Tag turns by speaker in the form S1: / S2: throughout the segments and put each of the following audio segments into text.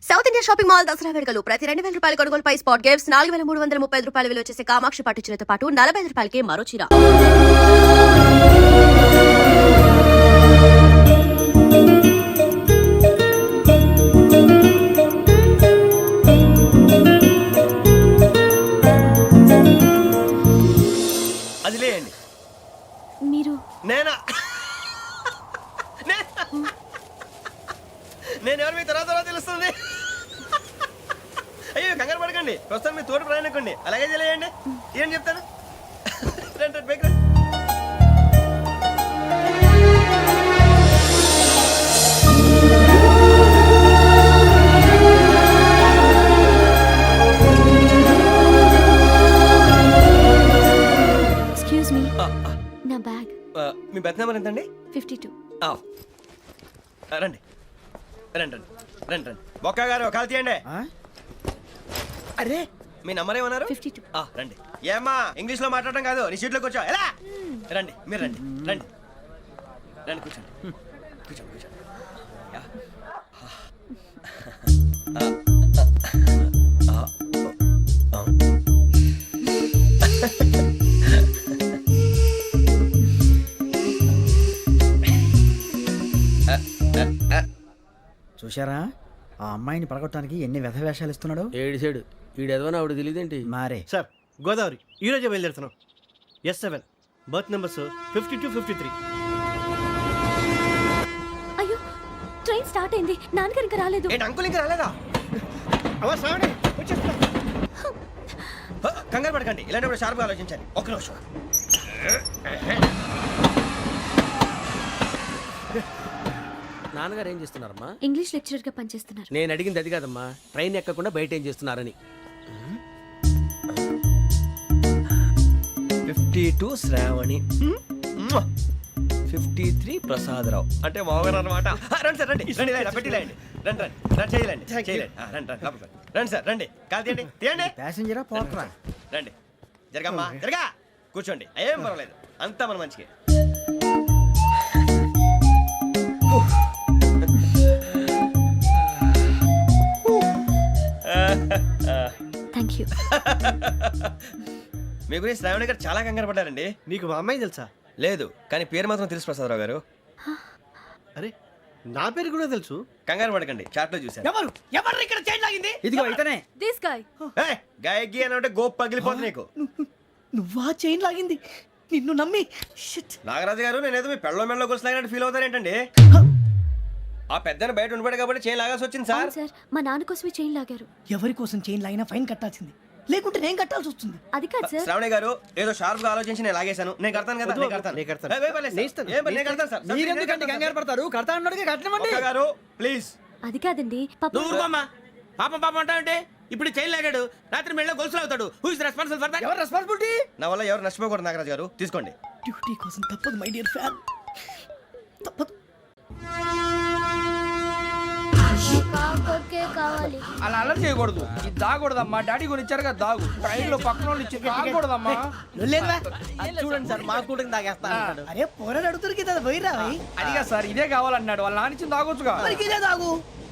S1: South India shopping mall Dasara వేడుకలు ప్రతి 2,000 రూపాయల కొనుగోలుపై స్పాట్ గిఫ్ట్స్ 4,335 రూపాయల విలువ చేసే కామాక్షి పట్టు చీరతో పాటు 45 రూపాయలకి మరో చీర.
S2: అది లేండి.
S1: మీరు
S2: నేనా? నేను ఎవరు మీ తర్వాత తెలుస్తుంది. అయ్యో కంగారు పడకండి, ప్రస్తుతం మీ తోటి ప్రయాణకండి. అలాగే తెలియండి, ఏం చెప్తాను. రండి రండి, బైక్ రండి.
S1: ఎక్స్క్యూజ్ మీ, నా బ్యాగ్.
S2: మీ బెత్ నెంబర్ ఎంతండి?
S1: 52.
S2: రండి రండి రండి రండి రండి. బొక్క గారు కాల్ తీయండి. అరే మీ నంబర్ ఏమన్నారు?
S1: 52.
S2: రండి. ఏమ్మా ఇంగ్లీష్ లో మాట్లాడడం కాదు, నీ సీట్లో కూర్చో. ఎలా రండి, మీరు రండి రండి రండి, కూర్చోండి కూర్చోండి కూర్చోండి. యా.
S3: చూశారా ఆ అమ్మాయిని పడగొట్టడానికి ఎన్ని వ్యధ వేషాలు ఇస్తున్నాడు.
S4: ఏడు సైడు ఈడెదవని ఆవిడ తెలియదేంటి?
S3: మారే
S2: సార్ గోదావరి ఈరోజే బయలుదేరుతున్నాం. S7 berth numbers 52, 53.
S1: అయ్యో, ట్రైన్ స్టార్ట్ అయింది. నాన్నగారు ఇంకా రాలేదు.
S2: ఏంటి అంకుల్ ఇంకా రాలేదా? కంగారు పడకండి, ఇలాంటప్పుడు షార్ప్గా ఆలోచించండి. ఒక్క నిమిషం.
S4: నాన్నగారు ఏం చేస్తున్నారమ్మా?
S1: ఇంగ్లీష్ లెక్చరర్ గా పనిచేస్తున్నారు.
S4: నేను అడిగింది అది కాదమ్మా, ట్రైన్ ఎక్కకుండా బయట ఏం చేస్తున్నారని.
S2: 52 శ్రావణి, 53 ప్రసాదరావు అంటే మామగారు అనమాట. రండి సార్ రండి రండి, పెట్టిలేండి. రండి రండి రండి, చేయలేండి చేయలేండి. రండి రండి లోపలికి రండి సార్, రండి కాల్ తీయండి తీయండి.
S3: ప్యాసింజరా పోట్రా.
S2: రండి జరగమ్మా జరగా, కూర్చోండి. ఏం పర్వాలేదు, అంతా మన మంచిగా.
S1: Thank you.
S2: మీ గురించి శ్రావణి గారు చాలా కంగారు పడ్డారండి.
S5: నీకు మా అమ్మాయి తెలుసా?
S2: లేదు, కానీ పేరు మాత్రం తెలుసు ప్రసాదరావు గారు.
S5: అరే నా పేరు కూడా తెలుసు.
S2: కంగారు పడకండి, చాట్ లో చూశాను.
S5: ఎవరు ఎవరు ఇక్కడ చైన్ లాగింది?
S3: ఇదిగో ఇతనే.
S1: This guy.
S2: గాయకి అని అంటే గోప్ పగిలిపోతుంది నీకు.
S5: నువ్వా చైన్ లాగింది? నిన్ను నమ్మి షిట్.
S2: నాగరాజు గారు, నేనేదో మీ పెళ్ళ మెళ్ళ గురిసిలాగినట్టు ఫీల్ అవుతారేంటండి? ఆ పెద్దని బయట ఉండిపోయాడు కాబట్టి చైన్ లాగాల్సి వచ్చింది సార్.
S1: సార్, మా నాన్న కోసమే చైన్ లాగారు.
S5: ఎవరి కోసం చైన్ లాగినా ఫైన్ కట్టాల్సింది, లేకుంటే నేను కట్టాల్సి వస్తుంది.
S1: అది కాదు సార్.
S2: శ్రావణి గారు, ఏదో షార్ప్ గా ఆలోచించి నేను లాగేశాను. నేను కడతాను కదా, నేను కడతాను. నేను కడతాను సార్.
S3: మీరెందుకంటే కంగారు పడతారు? కడతా అన్నాడుగా కట్టమండి.
S2: ఒక్క గారు ప్లీజ్.
S1: అది కాదండి,
S4: నువ్వు ఊరుకోమ్మా. పాపం పాపం అంటావంటే? ఇప్పుడు చైన్ లాగాడు, రాత్రి మెళ్ళ గొలుసులు అవుతాడు. Who is responsible for that?
S3: ఎవరు రెస్పాన్సిబిలిటీ?
S2: నా వల్ల ఎవరు నష్టపోకూడదు నాగరాజు గారు, తీసుకోండి.
S5: డ్యూటీ కోసం తప్పదు మై డియర్ ఫ్యాన్, తప్పదు.
S6: అలా అలర్ట్ చేయకూడదు. ఇది దాగకూడదమ్మా. డాడీ కొని ఇచ్చారు కదా దాగు. ట్రైన్ లో పక్కన వాళ్ళు ఇచ్చి దాగకూడదమ్మా.
S3: చూడండి సార్, మా కూడా తాగేస్తా.
S5: అరే పోరాడు అడుగుతారు కదా, పోయిరా
S6: అదిగా సార్, ఇదే కావాలన్నాడు. వాళ్ళ నాన్న ఇచ్చింది తాగొచ్చుగా.
S5: ఇదే తాగు.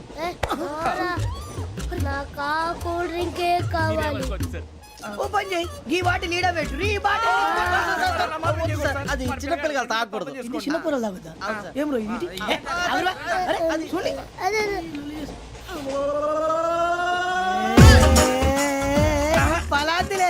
S7: నాకు కూల్ డ్రింకే కావాలి.
S5: ఓ పని చేయి, ఈ బాటిల్ ఈడ పెట్టు. ఈ బాటిల్
S3: అది చిన్నపిల్లలు తాగకూడదు.
S5: ఇది చిన్న పొరలు తాగుతా. ఏం రో ఇది? అరే అది చూడండి.
S7: అదే
S5: పలాతిలే.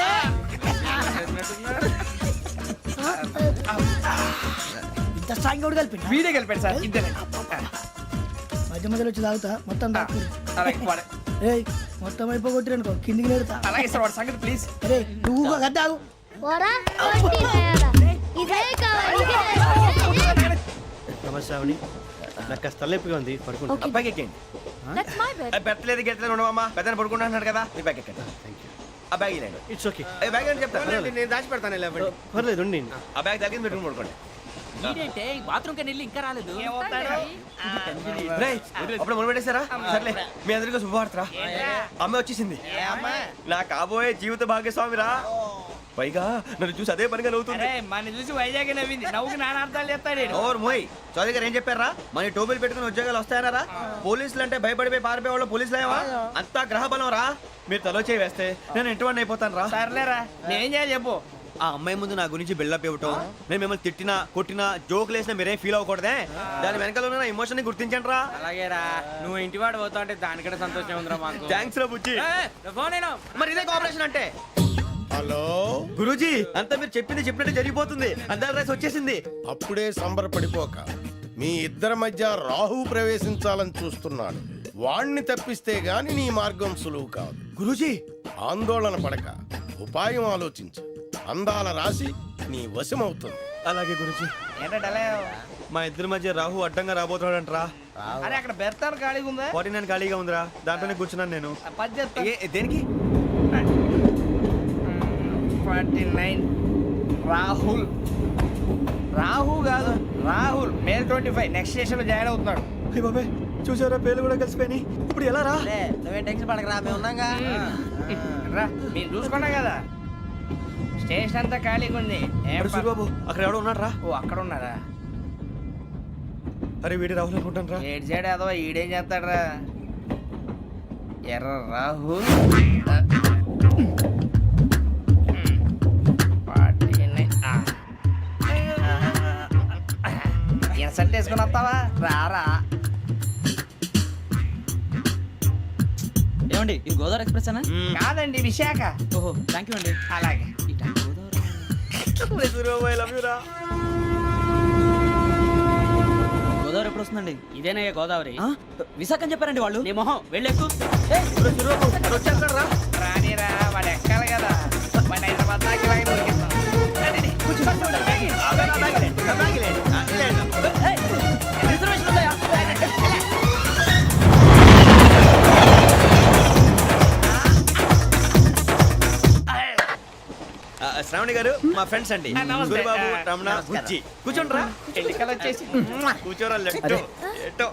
S5: ఇంత స్ట్రాంగ్ కూడా కలిపి
S6: వీడే గెలిపాడు సార్. ఇద్దరే.
S5: మధ్య మధ్యలో వచ్చి తాగుతా, మొత్తం తాగు.
S6: అలాగే వాడే.
S5: ఏయ్ మొత్తం అయిపోగొట్టిరనుకో, కిందికి నేడుతా.
S6: అలాగే సార్, వాడి సంగతి ప్లీజ్.
S5: అరే నువ్వు గద్దాగు.
S7: పోరా కొట్టి తయారా. ఇదే కావాలి.
S2: నమస్తే శ్రావణి, నాకు కాస్త తలెప్పిగా ఉంది, పడుకుంటా.
S1: Okay.
S2: బ్యాగ్ ఎక్కండి.
S1: That's my bed.
S2: పెట్టలేదు గెట్టలేదు ఉండవమ్మా, పెద్దని పడుకుంటున్నాడు కదా, మీ బ్యాగ్ ఎక్కండి. ఆ బ్యాగ్ ఇలాండి.
S5: It's okay.
S2: బ్యాగ్ అని చెప్తాను,
S4: నేను దాచి పెడతాను.
S5: పర్లేదు ఉండి.
S2: ఆ బ్యాగ్ తగ్గింది పెట్టుకుని పడుకోండి.
S6: బాత్రూమ్ కి వెళ్ళి ఇంకా రాలేదు.
S2: రేయ్, అప్పుడు మొదలు పెట్టేశారా? సర్లే, మీ అందరికీ శుభవార్తరా. అమ్మ వచ్చేసింది, నా కాబోయే జీవిత భాగ్యస్వామిరా. పైగా నన్ను చూసి అదే పనిగా నవ్వుతుంది.
S4: అరే మన చూసి వైజాగ్ నవ్వింది, నవ్వుకి నాన్న అర్థాలు చెప్తాడు.
S2: ఓర్ మోయ్ చౌదరి గారు ఏం చెప్పారా? మన టోబీలు పెట్టుకుని ఉద్యోగాలు వస్తాయనరా? పోలీసులు అంటే భయపడిపోయి పారిపోయే వాళ్ళు పోలీసులేవా? అంతా గ్రహ బలం రా. మీరు తలో చేయి వేస్తే నేను ఇంటివాడిని అయిపోతాను రా.
S4: సర్లేరా, నేనేం చేయాలి చెప్పు.
S2: ఆ అమ్మాయి ముందు నా గురించి బిల్డప్ ఇవ్వటం, నేను మిమ్మల్ని తిట్టినా కొట్టినా జోకులు వేసినా మీరేం ఫీల్ అవ్వకూడదే. దాని వెనకాల ఉన్న నా ఎమోషన్ ని గుర్తించండి రా.
S4: అలాగేరా, నువ్వు ఇంటివాడు పోతా అంటే దానికంటే సంతోషం ఉందిరా మాకు.
S2: థ్యాంక్స్ రా బుజ్జి.
S4: ఫోన్ అయినా
S2: మరి ఇదే కోఆపరేషన్ అంటే.
S8: హలో
S2: గురూజీ అంతా మీరు చెప్పింది చెప్పినట్టు జరిగిపోతుంది. అందరి రైస్ వచ్చేసింది.
S8: అప్పుడే సంబరపడిపోక మీ ఇద్దరి మధ్య రాహు ప్రవేశించాలని చూస్తున్నాడు. వాణ్ణి తప్పిస్తే గాని నీ మార్గం సులువు కాదు.
S2: గురూజీ
S8: ఆందోళన పడక ఉపాయం ఆలోచించు. అందాల రాశి నీ వశమవుతుంది.
S2: అలాగే గురూజీ.
S4: ఏంటంటే
S2: మా ఇద్దరి మధ్య రాహు అడ్డంగా రాబోతున్నాడంట్రా.
S4: అరే అక్కడ బెర్తాను ఖాళీగా ఉందా?
S2: 49 ఖాళీగా ఉందిరా, దాంట్లోనే కూర్చున్నాను నేను.
S4: పది చెప్తా.
S2: దేనికి?
S4: 49 రాహుల్. రాహు కాదు రాహుల్. మే 25 నెక్స్ట్ స్టేషన్ లో జాయిన్ అవుతున్నాడు.
S2: అయ్య బాబాయ్ చూసారా, పేర్లు కూడా కలిసిపోయినాయి. ఇప్పుడు ఎలా రా?
S3: నువ్వేం టెన్షన్ పడకరా, మేము ఉన్నాగా.
S4: రా, మీరు చూసుకున్నాం కదా, స్టేషన్ అంతా ఖాళీగా ఉంది. ఏం
S2: అరే సూరిబాబు అక్కడ ఎవడో ఉన్నాడు రా.
S4: ఓ అక్కడ ఉన్నారా?
S2: అరే వీడి రాహుల్ అనుకుంటాను రా.
S4: ఏడు సైడ్ అదో ఈడేం చేస్తాడరా? ఎర్ర రాహుల్. ఇన్సల్ట్ వేసుకుని వస్తావా? రారా.
S3: ఏమండి ఇది గోదావరి ఎక్స్ప్రెస్ అనా?
S4: కాదండి, విశాఖ.
S3: ఓహో థ్యాంక్ యూ అండి.
S4: అలాగే.
S2: సూరిబాబు ఐ లవ్ యు రా.
S3: గోదావరి ఎప్పుడు వస్తుందండి?
S5: ఇదేనయ్య గోదావరి.
S3: విశాఖ అని చెప్పారండి వాళ్ళు.
S5: నీ మొహం వెళ్ళెక్కు.
S2: సూరిబాబు అక్కడ వచ్చేస్తాడు రా.
S4: రానిరా, వాడు ఎక్కాలి కదా. వాడిని హైదరాబాద్ దాకా ఇలాగే దొరికిస్తాం.
S3: రిజర్వేషన్ ఉందా?
S2: శ్రావణి గారు మా ఫ్రెండ్స్ అండి.
S4: నమస్తే.
S2: సూరిబాబు, రమణ, బుజ్జి. కూర్చోండి రా.
S4: ఎన్నికలు వచ్చేసి
S2: కూర్చోరా. లెట్టో ఎట్టో.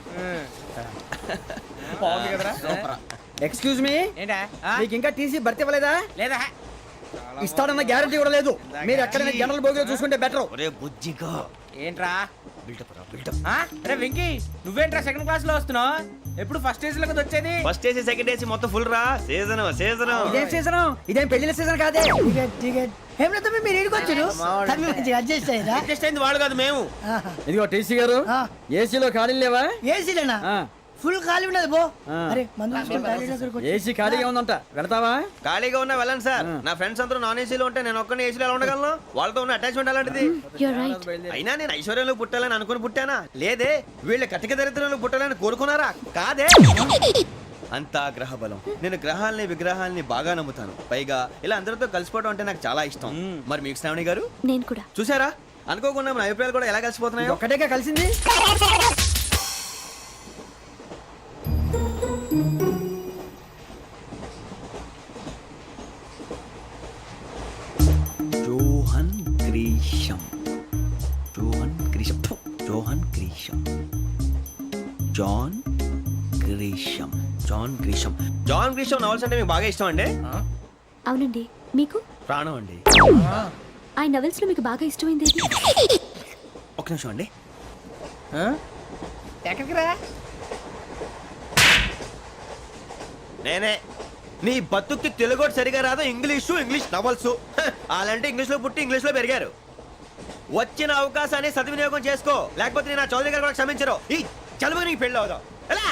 S4: బాగుంది కదరా?
S3: ఎక్స్క్యూజ్ మీ,
S4: ఏంటా?
S3: మీకు ఇంకా టీసీ భర్తీ ఇవ్వలేదా?
S4: లేదా
S3: ఇస్తాడన్న గ్యారంటీ కూడా లేదు. మీరు ఎక్కడైనా జనరల్ బోగిలో చూసుకుంటే బెటర్.
S2: ఒరే బుజ్జిగా
S4: ఏంట్రా?
S2: బిల్డప్ రా బిల్డప్.
S4: అరే వెంకీ, నువ్వేంట్రా సెకండ్ క్లాస్ లో వస్తున్నావు? ఎప్పుడు ఫస్ట్ ఏజ్ లో కదా వచ్చేది?
S2: ఫస్ట్ ఏసీ సెకండ్ ఏసీ మొత్తం ఫుల్ రా. Season season.
S3: ఇదేం సీజన్? ఇదేం పెళ్లిన సీజన్ కాదే.
S5: ఏం లేదు మీరు ఇడికొచ్చారు అడ్జస్ట్ అయ్యారా?
S4: అడ్జస్ట్ అయింది వాళ్ళు కాదు, మేము.
S3: ఇదిగో టీసీ గారు, ఏసీలో ఖాళీ లేవా?
S5: ఏసీలేనా? ఫుల్ ఖాళీ ఉన్నది బో. అరే మందు
S3: ఏసీ ఖాళీగా ఉందంట, వెళ్తావా?
S2: ఖాళీగా ఉన్నా వెళ్ళండి సార్. నా ఫ్రెండ్స్ అందరూ నాన్ ఏసీలో ఉంటే నేను ఒక్కనే ఏసీలో ఎలా ఉండగలను? వాళ్ళతో ఉన్న అటాచ్మెంట్ అలాంటిది.
S7: You're right.
S2: అయినా నేను ఐశ్వర్యంలో పుట్టాలని అనుకుని పుట్టానా? లేదే. వీళ్ళ కటిక దరిద్రంలో పుట్టాలని కోరుకున్నారా? కాదే. అంతా గ్రహ బలం. నేను గ్రహాలని విగ్రహాలని బాగా నమ్ముతాను. పైగా ఇలా అందరితో కలిసిపోవడం అంటే నాకు చాలా ఇష్టం. మరి మీకు శ్రావణి గారు?
S7: నేను కూడా.
S2: చూసారా, అనుకోకుండా మన అభిప్రాయాలు కూడా ఎలా కలిసిపోతున్నాయి.
S3: ఒక్కటేగా కలిసింది.
S2: John Grisham. John Grisham. John Grisham. John Grisham. John Grisham. John Grisham novels అంటే మీకు బాగా ఇష్టం అండి?
S7: అవునండి. మీకు?
S2: ప్రాణం అండి.
S7: ఆ నవెల్స్ లో మీకు బాగా ఇష్టమైంది ఏది?
S2: ఒక్క నిమిషం అండి.
S4: ఎక్కడికి రా?
S2: నేనే. నీ బతుక్కి తెలుగు సరిగా రాదు, ఇంగ్లీష్ నవల్స్. అలాంటి ఇంగ్లీష్ లో పుట్టి ఇంగ్లీష్ లో పెరిగారు. వచ్చిన అవకాశాన్ని సద్వినియోగం చేసుకో, లేకపోతే నేను నా చౌదరి గారు కూడా క్షమించరు. ఈ చలువు నీకు పెళ్ళి అవుదాం. ఎలా?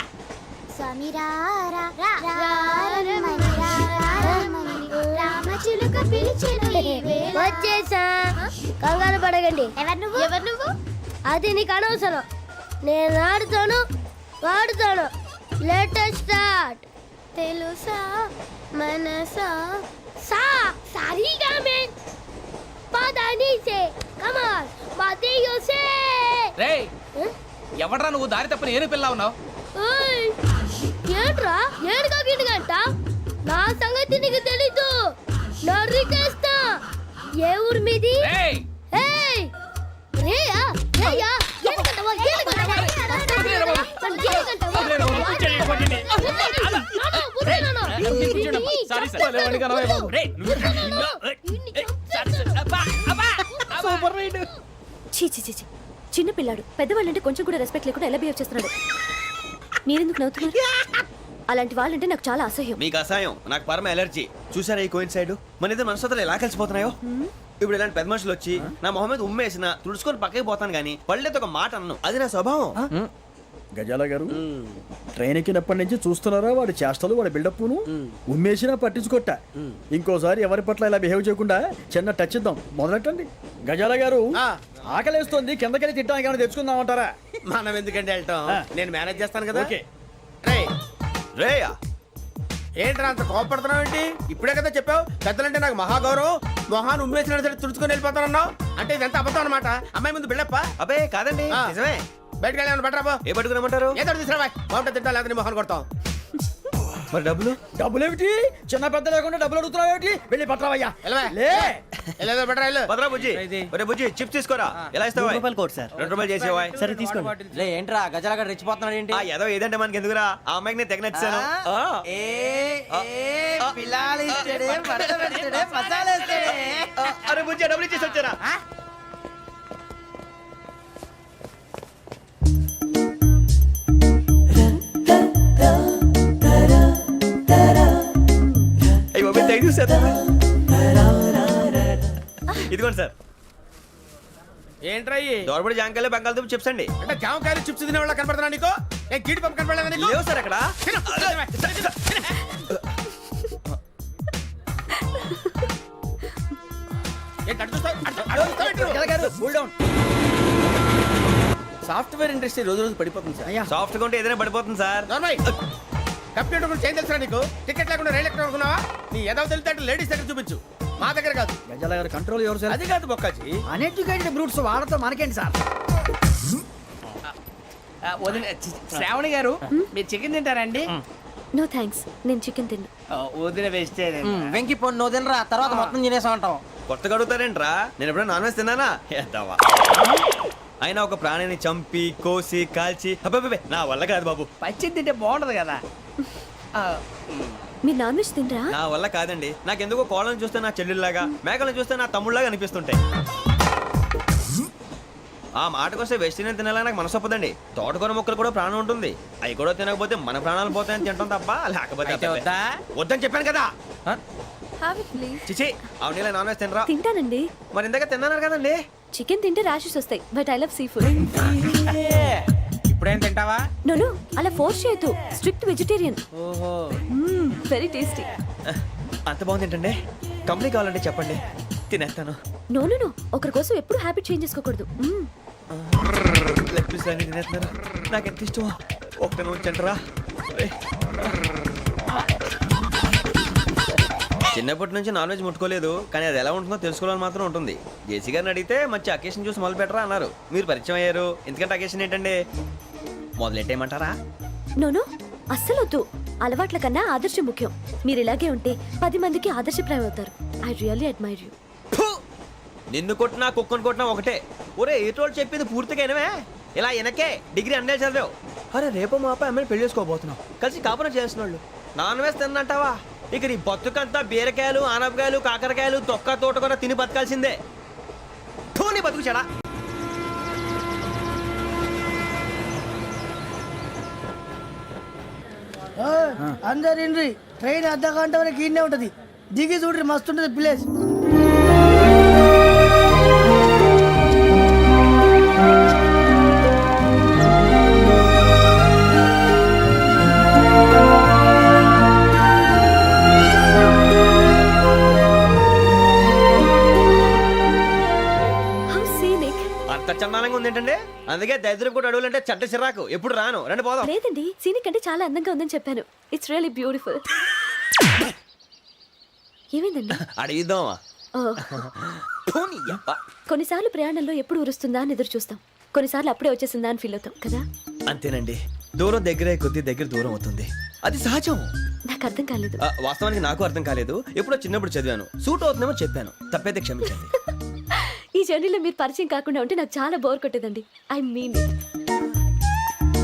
S9: వచ్చేసా, కంగారు పడకండి. ఎవరు నువ్వు? అది నీకు అనవసరం. నేను ఆడుతాను, వాడుతాను. Let start. తెలుసా మనసా సా సారీగా మే పదని సే కమాన్ మాదేయో సే.
S6: రేయ్ ఎవడ్రా నువ్వు? దారి తప్పని ఏను పిల్ల ఉన్నావు?
S9: ఓయ్ ఏంట్రా ఏడుగా గిడుగంట? నా సంగతి నీకు తెలీదు. నరికేస్తా. ఏ ఊరు మీది?
S6: రేయ్
S9: ఏయ్ రేయా రేయా ఏడుగంటవా ఏడుగంటవా
S6: సారీ సార్. రేయ్
S1: చీ చీ చీ చీ. చిన్న పిల్లాడు పెద్దవాళ్ళంటే కొంచెం కూడా రెస్పెక్ట్ లేకుండా ఎలా బిహేవ్ చేస్తున్నాడు. మీరెందుకు నవ్వుతున్నారు? అలాంటి వాళ్ళంటే నాకు చాలా అసహ్యం.
S2: మీకు అసహాయం, నాకు పరమ ఎలర్జీ. చూసారా ఈ కోయిన్ సైడ్ మన ఇద్దరు మనస్తత్వాలు ఎలా కలిసిపోతున్నాయో. ఇప్పుడు ఇలాంటి పెద్ద మనుషులు వచ్చి నా మొహం మీద ఉమ్మేసిన తుడుచుకొని పక్కకి పోతాను కానీ పళ్ళేతో ఒక మాట అన్ను. అది నా స్వభావం.
S3: గజాల గారు ట్రైన్ ఎక్కినప్పటి నుంచి చూస్తున్నారా వాడి చేష్టలు వాడి బిల్డప్ను ఉమ్మేసినా పట్టించుకోట. ఇంకోసారి ఎవరి పట్ల ఇలా బిహేవ్ చేయకుండా చిన్న టచ్ ఇద్దాం. మొదలెట్టండి. గజాల గారు ఆకలేస్తోంది, కిందకెళ్ళి తిట్టడానికి ఏమైనా తెచ్చుకుందామంటారా?
S5: మనం ఎందుకంటే వెళ్తాం, నేను మేనేజ్ చేస్తాను కదా.
S3: ఓకే.
S5: రేయ్,
S2: రేయా
S5: ఏంట్రా అంత కోపడుతున్నావు ఏంటి? ఇప్పుడే కదా చెప్పావు పెద్దలంటే నాకు మహాగౌరవం, మొహాన్ని ఉమ్మేసిన సరే తుడుచుకొని వెళ్ళిపోతానన్నావు. అంటే ఇదంతా అబద్ధం అనమాట. అమ్మాయి ముందు బిల్డప్ప.
S2: అబ్బే కాదండి,
S5: ఆ.
S2: నిజమే.
S5: బయటకు వెళ్ళి బట్రాబో.
S2: ఏ పట్టుకురమ్మంటారు?
S5: ఏదో తీసుకురా బాగుంటుంది తింటా, లేదా నీ మొహాన్ని కొడతాం.
S2: మరి డబ్బులు?
S3: డబ్బులు ఏమిటి? చిన్న పెద్ద లేకుండా డబ్బులు అడుగుతున్నావు ఏమిటి? వెళ్ళి పట్టరావయ్యా.
S5: వెళ్ళవా?
S3: లే
S5: వెళ్ళేదో బట్రా వెళ్ళు.
S2: భద్రా బుజ్జి, ఒరే బుజ్జి చిప్స్ తీసుకోరా. ఎలా ఇస్తావా?
S3: Court sir.
S2: 2 రూపాయలు చేసేవా?
S3: సరే తీసుకోండి.
S4: లే ఏంట్రా గజాలగా రెచ్చిపోతున్నాడు ఏంటి?
S2: ఆ ఏదో ఏదంటే మనకి ఎందుకురా, ఆ అమ్మాయికి నేను తెగ నచ్చాను. అరే బుజ్జి డబ్బులు ఇచ్చేసి వచ్చారా? అయ్యి బాబు థ్యాంక్ యూ సార్. ఇదిగోండి సార్.
S5: ఏంట్రా ఇయ్యి?
S2: దోరబడి జాంకాయలు బంగాళదుంప చిప్స్ అండి.
S5: అంటే జామకాయలు చిప్స్ తినే వాళ్ళ కనపడుతున్నా నీకు? ఏ కీడి పంపు కనపడలేదా నీకు?
S2: లేవు సార్ అక్కడ.
S5: తిను, తిను. ఏంటి అటు చూస్తావు? అటు చూస్తావు ఏంటి నువ్వు?
S3: గజాల గారు కూల్ డౌన్.
S5: సాఫ్ట్వేర్ ఇండస్ట్రీ రోజు రోజు పడిపోతుంది సార్.
S3: అయ్యా
S2: సాఫ్ట్ గా ఉంటే ఏదైనా పడిపోతుంది సార్.
S5: నార్మల్ కంప్యూటర్ గురించి ఏం తెలుసా నీకు? టికెట్ లేకుండా రైలు ఎక్కడ అనుకున్నావా? నీ ఏదో తెలితే లేడీస్ దగ్గర చూపించు, మా దగ్గర కాదు.
S3: గజాల గారు కంట్రోల్ ఎవరు సార్?
S5: అది కాదు బొక్కాజీ.
S3: అన్ఎడ్యుకేటెడ్ బ్రూట్స్ వాడతో మనకేంటి సార్?
S4: శ్రావణి గారు మీరు చికెన్ తింటారండి?
S1: నో థ్యాంక్స్, నేను చికెన్ తిన్నా.
S4: వదిన వేస్తే వెంకి పొన్ను నువ్వు తినరా, తర్వాత మొత్తం తినేసా ఉంటాం.
S2: కొత్తగా అడుగుతారేంట్రా? నేను ఎప్పుడైనా నాన్ వెజ్ తిన్నానా? ఎద్దావా. అయినా ఒక ప్రాణిని చంపి కోసి కాల్చి అబ్బబ్బే నా వల్ల కాదు బాబు.
S4: పచ్చి తింటే బాగుంటది కదా.
S1: మీరు నాన్ వెజ్ తినరా?
S2: నా వల్ల కాదండి. నాకెందుకో కోళ్ళని చూస్తే నా చెల్లెళ్ళలాగా, మేకలను చూస్తే నా తమ్ముళ్ళలాగా అనిపిస్తుంటాయి. ఆ మాటకొస్తే వెస్టిరియన్ తినాలని నాకు మనసు ఒప్పదండి. తోటకూర మొక్కలు కూడా ప్రాణం ఉంటుంది. అవి కూడా తినకపోతే మన ప్రాణాలు పోతాయని తింటాం తప్ప లేకపోతే
S4: అయితే వద్దా?
S2: వద్దని చెప్పాను కదా.
S1: Have it please.
S2: చిచి అవునీ నాన్ వెజ్ తినరా?
S1: తింటానండి.
S2: మరి ఇందాక తిన్నాను కదండి.
S1: చికెన్ తింటే ర్యాషెస్ వస్తాయి, but I love seafood.
S4: ఇప్పుడేం తింటావా?
S1: నో అలా ఫోర్స్ చేయొద్దు. Strict vegetarian.
S4: ఓహో
S1: వెరీ టేస్టీ.
S2: అంత బాగుంది ఏంటండి? కంపెనీ కావాలంటే చెప్పండి, తినేస్తాను.
S1: నో ఒకరి కోసం ఎప్పుడు హ్యాబిట్ చేంజ్ చేసుకోకూడదు.
S2: లెగ్ పీస్ అన్ని తినేస్తున్నారు. నాకు ఎంత ఇష్టం. ఒక్క ఉంచండిరా. చిన్నప్పటి నుంచి నాన్ వెజ్ ముట్టుకోలేదు, కానీ అది ఎలా ఉంటుందో తెలుసుకోవాలని మాత్రం ఉంటుంది. జేసీ గారిని అడిగితే మంచి అకేషన్ చూసి మొదలు పెట్టరా అన్నారు. మీరు పరిచయం అయ్యారు, ఎందుకంటే అకేషన్ ఏంటండి? మొదలెట్టేయమంటారా?
S1: నో అస్సలు వద్దు. అలవాట్ల కన్నా ఆదర్శం ముఖ్యం. మీరు ఇలాగే ఉంటే 10 మందికి ఆదర్శప్రాయం అవుతారు. I really admire you.
S2: నిన్ను కొట్టినా కుక్కను కొట్టినా ఒకటే. ఒరే ఏటోళ్ళు చెప్పింది పూర్తిగా వినవే. ఇలా వెనకే డిగ్రీ అన్నే చదివావు. అరే రేపు మా అబ్బాయి అమ్మాయిని పెళ్లి చేసుకోబోతున్నావు, కలిసి కాపురం చేసిన వాళ్ళు నాన్ వెజ్ తిన్నంటావా? ఇక నీ బతుకంతా బీరకాయలు ఆనపకాయలు కాకరకాయలు తొక్క తోట కూడా తిని బతకాల్సిందే. నీ బతుకు చెడా.
S10: అందరు ఇండ్రి ట్రైన్ అర్ధ గంట వరకు ఇన్నే ఉంటది. దిగి చూడ్రి మస్తు ఉంటది ప్లేస్.
S2: అంత చందానంగా ఉంది ఏంటంటే? అందుకే దరిద్రం కూడా అడవులంటే చెడ్డ చిరాకు. ఎప్పుడు రాను. రండి పోదాం.
S1: లేదండి, సీనిక్ అంటే చాలా అందంగా ఉందని చెప్పాను. It's really beautiful. ఏమైందండి?
S2: అడిగిద్దామా?
S1: కొన్నిసార్లు ప్రయాణంలో ఎప్పుడు ఉరుస్తుందా అని ఎదురు చూస్తాం, కొన్నిసార్లు అప్పుడే వచ్చేసిందా అని ఫీల్ అవుతాం కదా.
S2: అంతేనండి, దూరం దగ్గరే కొద్ది దగ్గర దూరం అవుతుంది. అది సహజం.
S1: నాకు అర్థం కాలేదు.
S2: వాస్తవానికి నాకు అర్థం కాలేదు. ఎప్పుడో చిన్నప్పుడు చదివాను, సూట్ అవుతుందేమో చెప్పాను. తప్పైతే క్షమించండి.
S1: ఈ జర్నీలో మీరు పరిచయం కాకుండా ఉంటే నాకు చాలా బోర్ కొట్టేదండి. I mean it.